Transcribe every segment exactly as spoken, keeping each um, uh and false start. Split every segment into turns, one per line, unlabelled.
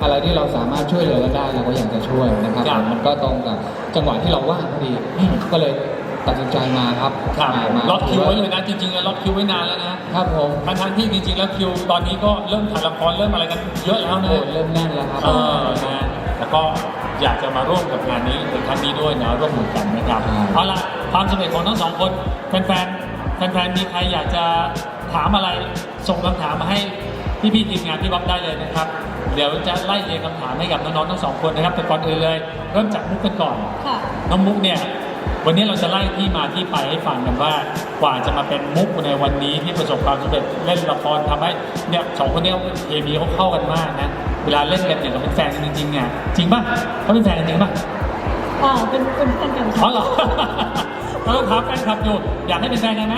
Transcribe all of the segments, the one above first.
อะไรที่เราสามารถช่วยเหลือกันได้เราก็อยากจะช่วยนะครับมันก็ตรงกับจังหวะที่เราว่างพอดีก็เลยตัดสินใจมาครับ
มาล็อกคิวไว้เลยนะจริงๆล็อกคิวไว้นานแล้วนะครับ
ผม
ทั้งๆที่จริงๆแล้วคิวตอนนี้ก็เริ่มถ่ายละครเริ่มอะไรกันเยอะแล้วนะ
เริ่มแน่นแล้วครับ
เออนะแล้วก็อยากจะมาร่วมกับงานนี้ในครั้งนี้ด้วยนะร่วมมือกันนะครับเอาล่ะความสำเร็จของทั้งสองคนแฟนๆแฟนๆมีใครอยากจะถามอะไรส่งคำถามมาให้พี่ๆทีมงานพี่บ๊อบได้เลยนะครับเดี๋ยวจะไล่เรียงคำถามให้กับน้องๆทั้งสองคนนะครับแต่ก่อนอื่นเลยเริ่มจากมุกกันก่อนน้องมุกเนี่ยวันนี้เราจะไล่ที่มาที่ไปให้ฟังกันว่ากว่าจะมาเป็นมุกในวันนี้ที่ประสบความสำเร็จเล่นละครทำให้เนี่ยสองคนนี้เคมีเขาเข้ากันมากนะเวลาเล่นกันอย่างกับเป็นแฟนกันจริงๆเนี่ยจริงป่ะเขาเป็นแฟนกันจริงป่ะ
อ๋อเป็นเป็นแฟนกัน
อ๋อเหรอเราต้องถามแฟนคลับอยู่อยากให้เป็นแฟนกันไหม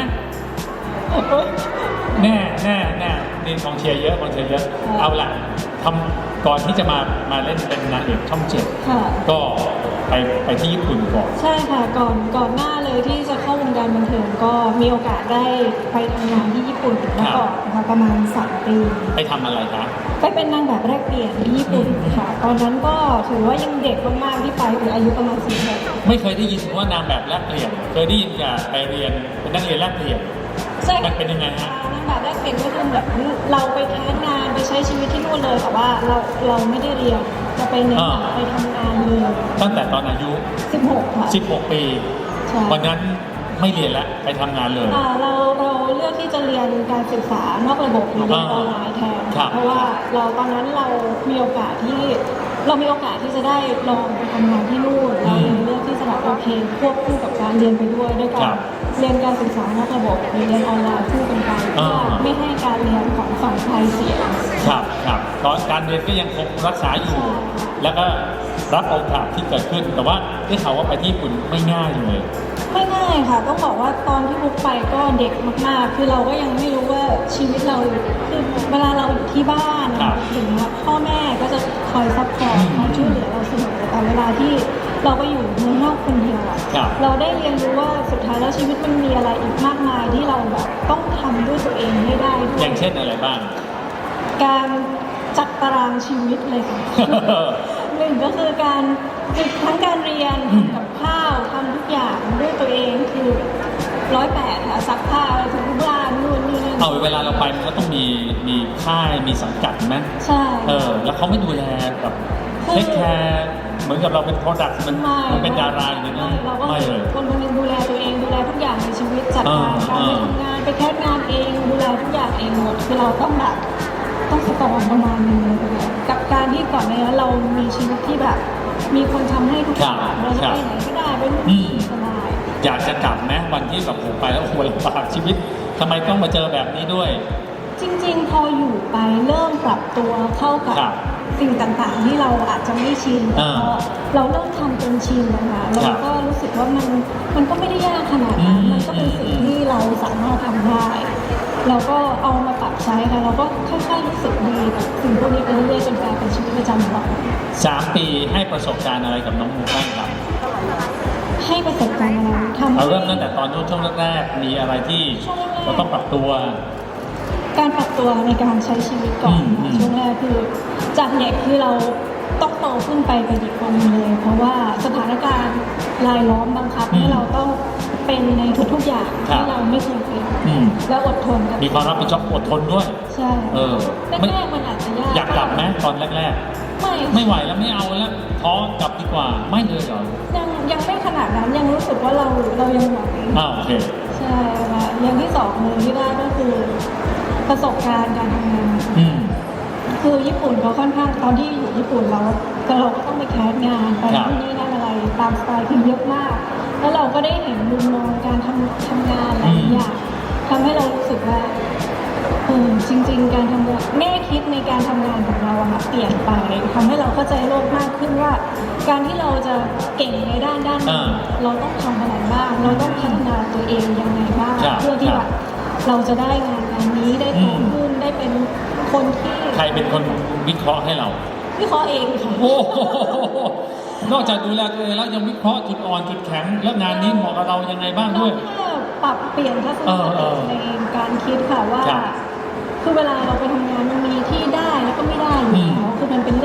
แน่แน่แน่นี่กองเชียร์เยอะกองเชียร์เยอะเอาล่ะทำก่อนที่จะมามาเล่นเป็นนางเอกช่องเจ็ดก็ไปไปที่ญี่ปุ่นก่อน
ใช่ค่ะก่อนก่อนหน้าเลยที่จะเข้าวงการบันเทิงก็มีโอกาสได้ไปทำงานที่ญี่ปุ่นมาก่อนนะคะประมาณสามปี
ไปทำอะไรคะ
ไปเป็นนางแบบแรกเปลี่ยนที่ญี่ปุ่นค่ะตอนนั้นก็ถือว่ายังเด็กมากๆที่ไปคืออายุประมาณสี่ขวบ
ไม่เคยได้ยินว่านางแบบแรกเปลี่ยนเคยได้ยินแต่ไปเรียนเป็นนักเรียนแรกเปลี่ยนมันเป็นยังไงฮะ
นางแบบแรกเปลี่ยนก็คือแบบเราไปแคสงานไปใช้ชีวิตที่นู่นเลยแต่ว่าเราเราไม่ได้เรียนจะไปเน้นไปทำงานเลย
ตั้งแต่ตอนอายุ
สิบหกค่ะ
สิบหกปีวันนั้นไม่เรียนแล้วไปทำงานเลย
เราเราเลือกที่จะเรียนการศึกษานอกระบบหรือเรียนออนไลน์แทนเพราะว่าเราตอนนั้นเรามีโอกาสที่เรามีโอกาสที่จะได้ลองไปทำงานที่นู่นเราเลยเลือกที่จะแบบโอเคควบคู่กับการเรียนไปด้วยด้วยการเรียนการศึกษานอกระบบหรือเรียนออนไลน์คู่กันไปเพื่อไม่ให้การเรียนของฝั่งไทยเสีย
ครับครับตอนการเรียนก็ยังคงรักษาอยู่แล้วก็รับโอกาสที่เกิดขึ้นแต่ว่าได้ข่าวว่าไปที่ญี่ปุ่นไม่ง่ายเลย
ไม่ง่ายค่ะต้องบอกว่าตอนที่บุ๊กไปก็เด็กมากๆคือเราก็ยังไม่รู้ว่าชีวิตเราคือเวลาเราอยู่ที่บ้านอย่างเงี้ยพ่อแม่ก็จะคอยซัพพอร์ตคอยช่วยเหลือเราเสมอแต่เวลาที่เราไปอยู่เมืองนอกคนเดียวอ่ะเราได้เรียนรู้ว่าสุดท้ายแล้วชีวิตมันมีอะไรอีกมากมายที่เราแบบต้องทำด้วยตัวเองให้ได้ด้วย
อย่างเช่นอะไรบ้าง
การจัดตารางชีวิตเลยค่ะหนึ่งก็คือการทั้งการเรียนกับข้าวทำทุกอย่างด้วยตัวเองคือร้อยแปดค่ะซักผ้าทุกบ้านนู่นนี่นั่น
เอาเวลาเราไปมันก็ต้องมีมีค่ายมีสังกัดไหม
ใช่
เออแล้วเขาไม่ดูแลแบบเทคแคร์เหมือนกับเราเป็นโปรดักต์มันมันเป็นดาราอย่างนี้นะ
ไม่เลยคนคนนึงดูแลตัวเองดูแลทุกอย่างในชีวิตจัดการการไปทำงานไปแคสงานเองดูแลทุกอย่างเองหมดคือเราต้องแบบต้องสตรองประมาณนึงเลยกับการที่ก่อนในนั้นเรามีชีวิตที่แบบมีคนทำให้ทุกอย่างเราจะไปไหนก็ได้ไปนู่นนี่สบาย
อยากจะกลับไหมวันที่แบบผมไปแล้วโอ้โหลำบากชีวิตทำไมต้องมาเจอแบบนี้ด้วย
จริงๆพออยู่ไปเริ่มปรับตัวเข้ากับสิ่งต่างๆที่เราอาจจะไม่ชินพอเราเริ่มทำจนชินนะคะเราก็รู้สึกว่ามันมันก็ไม่ได้ยากขนาดนั้นมันก็เป็นสิ่งที่เราสามารถทำได้เราก็เอามาปรับใช้ค่ะเราก็ค่อยๆรู้สึกดีกับสิ่งพวกนี้ไปเรื่อยๆจนกลายเป็นชีวิตประจำวัน
สามปีให้ประสบการณ์อะไรกับน้องมูบ้างครับ
ให้ประสบการณ์อะไร
ทำเราเริ่มตั้งแต่ตอนช่วงแรกๆมีอะไรที่เราต้องปรับตัว
การปรับตัวในการใช้ชีวิตก่อนช่วงแรกคือจากเด็กคือเราต้องโตขึ้นไปเป็นอีกคนเลยเพราะว่าสถานการณ์รายล้อมบังคับให้เราต้องเป็นในทุกๆอย่างที่เราไม่เคยเป็นแล้วอดทนกับ
มีความรับผิดชอบอดทนด้วย
ใช่
เออ
แรกๆมันอาจจะยาก
อยากกลับไหมตอนแรกๆไม่ไม่ไหวแล้วไม่เอาแล้วท้อกลับดีกว่าไม่เลยเหรอ
ยังยังไม่ขนาดนั้นยังรู้สึกว่าเราเรายังไหว
อ้าวโอเค
ใช่ค่ะอย่างที่สองเลยที่ได้ก็คือประสบการณ์การทำงานคือญี่ปุ่นเขาค่อนข้างตอนที่อยู่ญี่ปุ่นเราเราก็ต้องไปแคสงานไปที่นี่นั่นอะไรตามสไตล์คือเยอะมากแล้วเราก็ได้เห็นมุมมองการทำทำงานหลายอย่างทำให้เรารู้สึกว่าเออจริงๆการทำงานแง่คิดในการทำงานของเราอะเปลี่ยนไปทำให้เราเข้าใจโลกมากขึ้นว่าการที่เราจะเก่งในด้านด้านนี้เราต้องทำอะไรบ้างเราต้องพัฒนาตัวเองยังไงบ้างเพื่อที่แบบเราจะได้งานงานนี้ได้โตขึ้นได้เป็นคนที่
ใครเป็นคนวิเคราะห์ให้เรา
วิเคราะห์เองค่ะ
โอ้นอกจากดูแลตัวเองแล้วยังวิเคราะห์จุดอ่อนจุดแข็งและงานนี้เหมาะกับเรายังไงบ้างด้วย
ปรับเปลี่ยนทัศนคติในการคิดค่ะว่าคือเวลาเราไปทำงานมันมีที่ได้แล้วก็ไม่ได้อยู่แล้วคือมันเป็นเรื่องปกต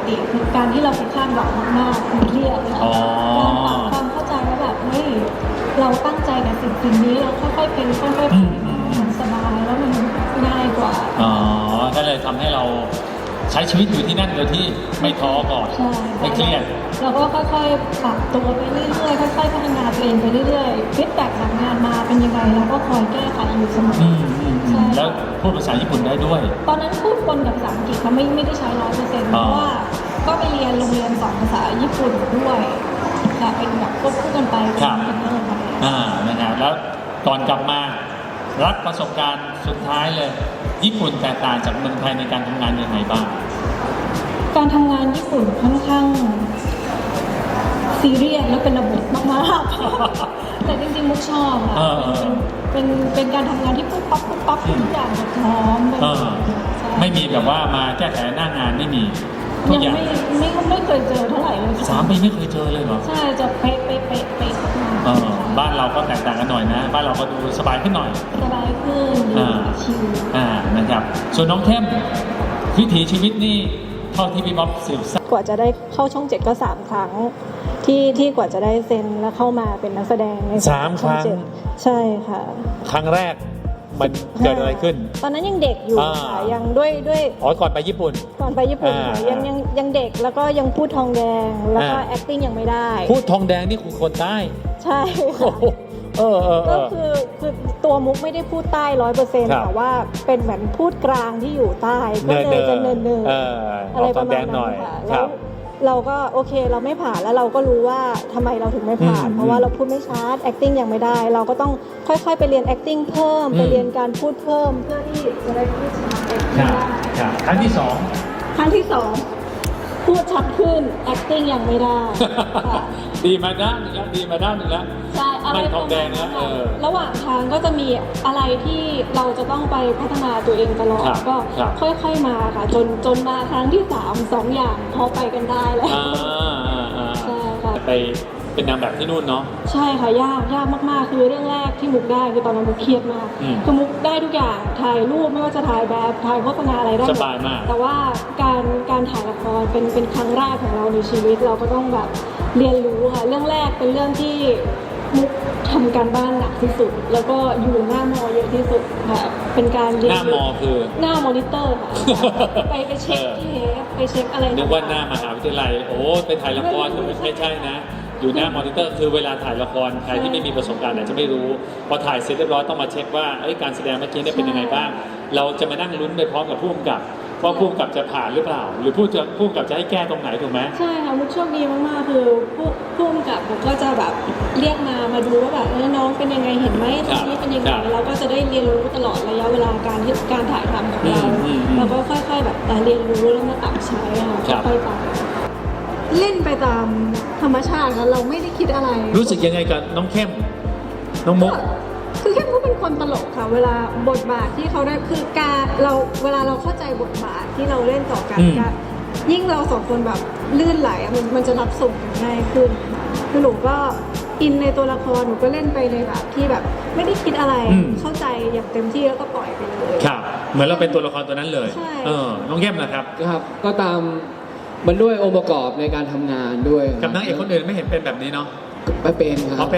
ติคือการที่เราไปคาดหวังมากๆมันเครียดค่ะ
อ๋อ
การปรับความเข้าใจว่าแบบเฮ้ยเราตั้งใจกับสิ่งสิ่งนี้เราค่อยๆเป็นค่อยๆไปมันสบายแล้วมันง่ายกว่า
อ๋อ ก็เลยทำให้เราใช้ชีวิตอยู่ที่นั่นโดยที่ไม่ท้อก่อน
ใช่
ไม่เครียด
เราก็ค่อยๆปรับตัวไปเรื่อยๆค่อยๆพัฒนาตัวเองไปเรื่อยๆฟีดแบ็กจากงานมาเป็นยังไงเราก็คอยแก้ไขอยู่เสมอ
อืมอืมอื
ใช่
มแล้วพูดภาษาญี่ปุ่นได้ด้วย
ตอนนั้นพูดปนกับภาษาอังกฤษค่ะไม่ไม่ได้ใช้ร้อยเปอร์เซ็นต์เพ
อ๋อ
ราะว่าก็ไปเรียนโรงเรียนสอนภาษาญี่ปุ่นด้วยค่ะเป็นแบบควบคู่กันไปเป็นเป็นเรื่องค่ะ
อ่านะครับแล้วก่อนกลับมารับประสบการณ์สุดท้ายเลย ญี่ปุ่นแตกต่างจากเมืองไทยในการทำงานยังไงบ้าง
การทำงานญี่ปุ่นค่อนข้างซีเรียสและเป็นระบบมากๆ แต่จริงๆมุกชอบค่ะ
เออเออ
เป็นเป็นเป็นการทำงานที่ปุ๊บปั๊บปุ๊บปั๊บทุกอย่างแบบพร้อม
เออ
ใช่
ไม่มีแบบว่ามาแก้ไขหน้างานไม่มีทุก
ยัง
อย่าง
ไม่ไม่ไม่เคยเจอเท่าไหร่เลยค่ะ
สามปีไม่เคยเจอเลยเหรอ
ใช่จะเป๊ะเป๊ะเป๊ะเป๊ะมาก
เออบ้านเราก็แตกต่างกันหน่อยนะ บ้านเราก็ดูสบายขึ้นหน่อย
สบายขึ้นดี
อ่า
ชิล
อ่านะครับ ส่วนน้องเข้มวิถีชีวิตนี่เท่าที่พี่บ๊อบสืบทราบ
กว่าจะได้เข้าช่องเจ็ดก็สามครั้ง ที่ที่กว่าจะได้เซ็นแล้วเข้ามาเป็นนักแสดงใน
สามครั้ง
ช่อเจ็ดใช่ค่ะ
ครั้งแรกมันเกิดอะไรขึ้น
ตอนนั้นยังเด็กอยู่
อ่า
ค่ะยังด้วยด้วย
อ๋อก่อนไปญี่ปุ่น
ก่อนไปญี่ปุ่นค่ะ
อ่ายั
ยังยังยังเด็กแล้วก็ยังพูดทองแดงแล้วก็
อ่า
acting ยังไม่ได้
พูดทองแดงนี่คือคนใต้
ใช่
โอ้
ค่ะ
โหเออเออเอ
ก็
อ
คือคือตัวมุกไม่ได้พูดใต้ร้อยเปอร์เซ็นต์
ครับ
แต่ว่าเป็นเหมือนพูดกลางที่อยู่ใต้ก็เลยจะเนินเนิน
เออ
อะไร
ออก
ป
ทอ
ระ
ง
มา
แด
ณ
งห
นั้
น่อย
นค่ะ
ค
แล้
รั
ว
บ
เราก็โอเคเราไม่ผ่านแล้วเราก็รู้ว่าทำไมเราถึงไม่ผ่าน
อืม
เพราะว่าเราพูดไม่ชัด acting ยังไม่ได้ เราก็ต้องค่อยๆ ไปเรียน acting เพิ่ม
อืม
ไปเรียนการพูดเพิ่มเพื่อที่จะได้พูดชัด acting
ครับ
ได้
ครับครั้งที่สอง
ครั้งที่สองพูดชัดขึ้น acting ยังไม่ได้ค่ะ
ดีมาด้านหนึงแล้วดีมาด้านหนึงแล้ว
ใช่อะไร
ไม่ท
ป
อ
ระ
ง
มาณ
แดง
นั้
นะ
น
เอ
ค่ะ
อ
ระหว่างทางก็จะมีอะไรที่เราจะต้องไปพัฒนาตัวเองตลอด
ครับ
ก็
ครับ
ค่อยๆมาค่ะ จนจนมาครั้งที่สามสองอย่างพอไปกันได้แล้ว
อ่าอ่าอ่า
ใช่ค่ะ
ไปเป็นนางแบบที่นู่นเนาะ
ใช่ค่ะยากยากมากๆ คือเรื่องแรกที่มุกได้คือตอนนั้นมุกเครียดมาก
อืม
คือมุกได้ทุกอย่างถ่ายรูปไม่ว่าจะถ่ายแบบถ่ายโฆษณาอะไรได้หม
ส
ด
บายมาก
แต่ว่าการการถ่ายละครเป็นเป็นครั้งแรกของเราในชีวิตเราก็ต้องแบบเรียนรู้ค่ะ เรื่องแรกเป็นเรื่องที่มุกทำการบ้านหนักที่สุด แล้วก็อยู่หน้ามอเยอะที่สุดค่ะเป็นการเรียน
หน้ามอคือ
หน้ามอนิเตอร์ค่ะ ไปไปเช็ค
เออ
เทปไปเช็คอะไร
นึกว่าหน้า
ต่งๆ
มหาวิทยาลัย โอ้ไปถ่ายละครมันไม่ใช่นะ อยู่หน้ามอนิเตอร์คือเวลาถ่ายละครใครที่ไม่มีประสบการณ์อาจจะไม่รู้ พอถ่ายเสร็จเรียบร้อยต้องมาเช็คว่าเอ้ยการแสดงเมื่อกี้เนี่ยเป็นยังไงบ้าง เราจะมานั่งลุ้นไปพร้อมกับผู้กำกับว่าผู้กำกับจะผ่านหรือเปล่า หรือผู้จะผู้กำกับจะให้แก้ตรงไหนถูกไหม
ใช่ค่ะมุกโชคดีมากๆคือผู้ผู้กำกับผมก็จะแบบเรียกมามาดูว่าแบบเออน้องเป็นยังไงเห็นไหมตรงนี้เป็นยังไง
ครับ
เราก็จะได้เรียนรู้ตลอดระยะเวลาการที่การถ่ายทำของเรา
อืมอืมอืม
เราก็ค่อยๆแบบแต่เรียนรู้แล้วมาปรับใช้ค่ะ
ครับ
ค่อยๆไปเล่นไปตามธรรมชาติค่ะเราไม่ได้คิดอะไร
รู้สึกยังไงกับน้องเข้ม น้องมุก
คือเข้มก็เป็นคนตลกค่ะ เวลาบทบาทที่เขาได้คือการเราเวลาเราเข้าใจบทบาทที่เราเล่นต่อกัน
อืม
การยิ่งเราสองคนแบบลื่นไหลอะมันมันจะรับส่งกันง่ายขึ้นค่ะคือหนูก็อินในตัวละครหนูก็เล่นไปในแบบที่แบบไม่ได้คิดอะไร
อืม
เข้าใจอย่างเต็มที่แล้วก็ปล่อยไปเลย
ครับ เหมือนเราเป็นตัวละครตัวนั้นเลย
ใช่
เออ น้องเข้มนะครับ
ครับก็ตามมันด้วยองค์ประกอบในการทำงานด้วย
กับนางเอกคนอื่นไม่เห็นเป็นแบบนี้เนาะ
ไม่เป็นครั
เขา
บ
เป็น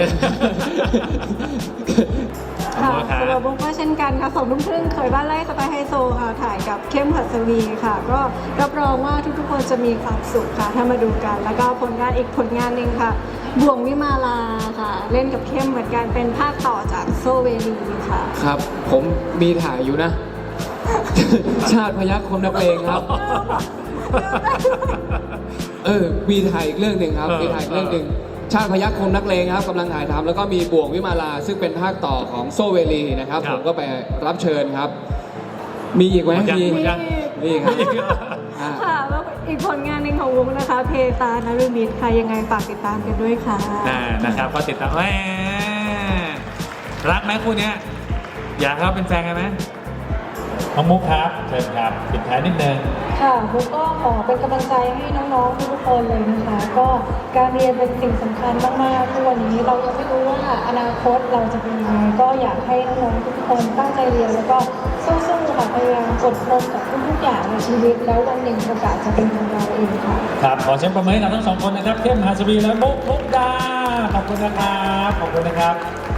ค่ะ
ขอบคุณครับ
สำหรับบุ้งก็เช่นกันค่ะสองทุ่มครึ่งเคยบ้านไร่สไตล์ไฮโซค่ะถ่ายกับเข้มหัสวีค่ะ ก็รับรองว่าทุกๆคนจะมีความสุขค่ะถ้ามาดูกัน แล้วก็ผลงานอีกผลงานหนึ่งค่ะบ่วงวิมาลาค่ะ เล่นกับเข้มเหมือนกันเป็นภาคต่อจากโซเวลีค่ะ
ครับ ผมมีถ่ายอยู่นะ ชาติพยัคฆ์คมนักเลงครับ เออ มีถ่ายอีกเรื่องหนึ่งครับ
เออ
มีถ่ายอีกเรื่องหนึ่งชาติพยัคฆ์คมนักเลงครับกำลังถ่ายทำแล้วก็มีบ่วงวิมาลา ซึ่งเป็นภาคต่อของโซเวลีนะครับ
ครับ
ผมก็ไปรับเชิญครับ มีอีกไหม
หมดยัง
มี
หมดยัง
มีครับอ่า
ค่ะแล้วอีกผลงานหนึ่งของวงนะคะ เพตานารุมิตค่ะยังไงฝากติดตามกันด้วยค่ะ
อ่านะครับก็ติดตามแหมรักไหมคู่เนี้ยอยากให้เขาเป็นแฟนกันไหมน้องมุกครับเชิญครับปิดท้ายนิดนึง
ค่ะมุกก็ขอเป็นกำลังใจให้น้องๆทุกคนเลยนะคะ ก็การเรียนเป็นสิ่งสำคัญมากๆทุกวันนี้เรายังไม่รู้ว่าอนาคตเราจะเป็นยังไงก็อยากให้น้องๆทุกคนตั้งใจเรียนแล้วก็สู้ๆค่ะพยายามอดทนกับทุกๆอย่างในชีวิตแล้ววันหนึ่งโอกาสจะเป็นของเราเองค่ะ
ครับขอเชิญประเมินกับทั้งสองคนนะครับเข้มหาสวีและมุกมุกดาขอบคุณนะครับขอบคุณนะครับ